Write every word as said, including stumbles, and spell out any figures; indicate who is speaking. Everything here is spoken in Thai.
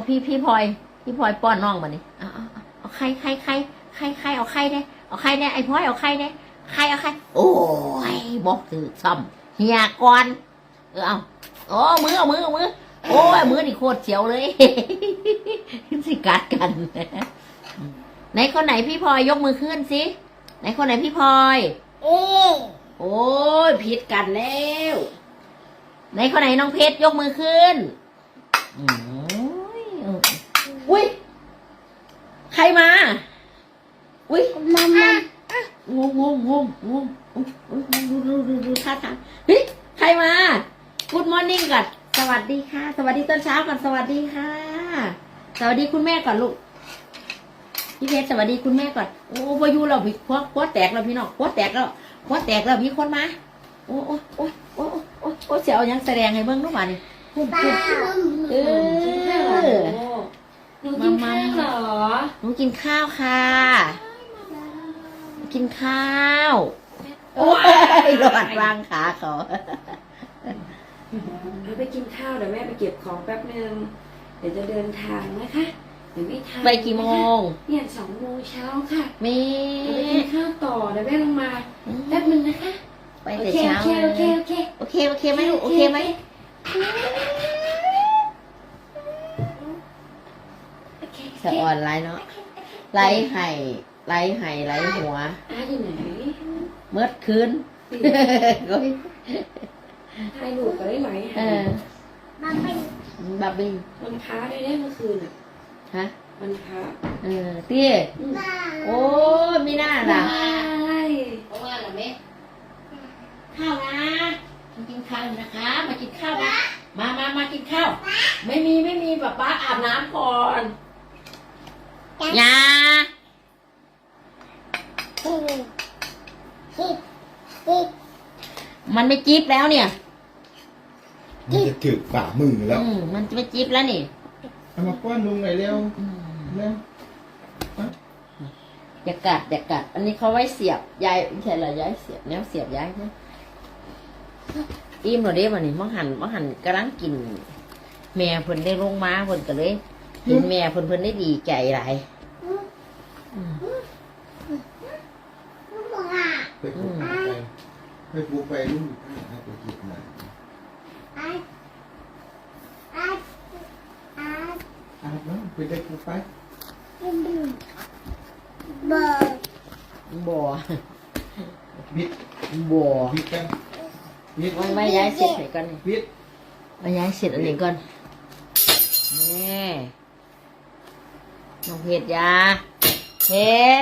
Speaker 1: พี่พี่พลอยพี่พลอยป้อนน้องมานี่เอาเอาเอาเอาไข่ไข่ไข่ไข่ไข่เอาไข่ได้เอาไข่ได้ไอ้พลอยเอาไข่ได้ไข่เอาไข่โอ้ยบอกถือซ้ำเฮียก่อนเออเอาโอ้มือเอามือเอามือโอ้ยมือนี่โคตรเสียวเลย สิกัดกันไหนคนไหนพี่พลอยยกมือขึ้นสิไหนคนไหนพี่พลอยโอ้ยผิดกันแล้วไหนคนไหนน้องเพชรยกมือขึ้นอุ้ยใครมาอุ้ยมามางงงงงงงดูดูดูดูท่าทางเฮ้ยใครมา Good morning ก่อนสวัสดีค่ะ สวัสดีตอนเช้าก่อนสวัสดีค่ะสวัสดีคุณแม่ก่อนลูกพี่เพชรสวัสดีคุณแม่ก่อนโอ้พายุเราพี่พัวพัวแตกแล้วพี่น้องพัวแตกแล้วพัวแตกแล้วมีคนมาโอ้โอ้โอ้โอ้โอ้โอ้เสียวยังแสดงให้เบิ้งทุกวันนี่พุ่มพุ่มเออ
Speaker 2: หนูกินข้าวเหรอ
Speaker 1: หนูกินข้าวค่ะกินข้าวโอ้ยหลอดวางขาเขา
Speaker 2: เดี๋ยวไปกินข้าวเดี๋ยวแม่ไปเก็บของแป๊บนึงเดี๋ยวจะเดินทางนะคะเดี๋ยวไม่ทัน
Speaker 1: ไปกี่โมง
Speaker 2: เนี่ยสองโมงเช้าค่ะ
Speaker 1: มี
Speaker 2: ไปกินข้าวต่อเดี๋ยวแม่ลงมาแป๊บนึงนะคะ
Speaker 1: ไปแต่เช้า
Speaker 2: โอเคโอเคโอเค
Speaker 1: โอเคโอเคไหมลูกโอเคไหมสะอ่อนไรเนาะไรไห่ไรไห่ไรหัว
Speaker 2: อ้าอยู่ไหน
Speaker 1: เมื่อคืนก็
Speaker 2: ไห่หนูก็ได้ไหม
Speaker 1: เออบับบิ้งบับบิ้ง
Speaker 2: มันค้าได้ได้เมื่อคืนอ่ะ
Speaker 1: ฮะ
Speaker 2: มันค้า
Speaker 1: เออเตี้ยโอ้ไม่น่าล่ะเพราะว่าอะไรไหมข้าวนะมากินข้าวนะคะมากินข้าวนะมามามากินข้าวไม่มีไม่มีป๊าป๊าอาบน้ำก่อนยามันไม่จี๊บแล้วเนี่ย
Speaker 3: มันจะถึกฝ่ามือแล้ว
Speaker 1: มันจะไม่จี๊บแล้วนี่
Speaker 3: เอามาป้อนลุงหน่อยเร็วเร็ว
Speaker 1: อย่ากัดอย่ากัดอันนี้เขาไว้เสียบยายใช่หรอยายเสียบแนวเสียบยายใช่อิ่มหน่อยเด้วันนี้มังหันมังหันกำลังกินแม่เพิ่นได้ลงมาเพิ่นก็เลยกินแม่เพิ่นเพิ่นได้ดีใจหลาย
Speaker 3: ไปปลูกไปไปปลูกไปลุงให้ไปกินหน่อยอาบน้ำไปได้ปลูกไป
Speaker 1: บ่บ่
Speaker 3: บิด
Speaker 1: บ่
Speaker 3: บิดกัน
Speaker 1: บิดไว้ไว้ย้ายเสร็จไหนก่อนนี่
Speaker 3: บิด
Speaker 1: ไว้ย้ายเสร็จอันนี้ก่อนนี่น้องเพชรยาเพชร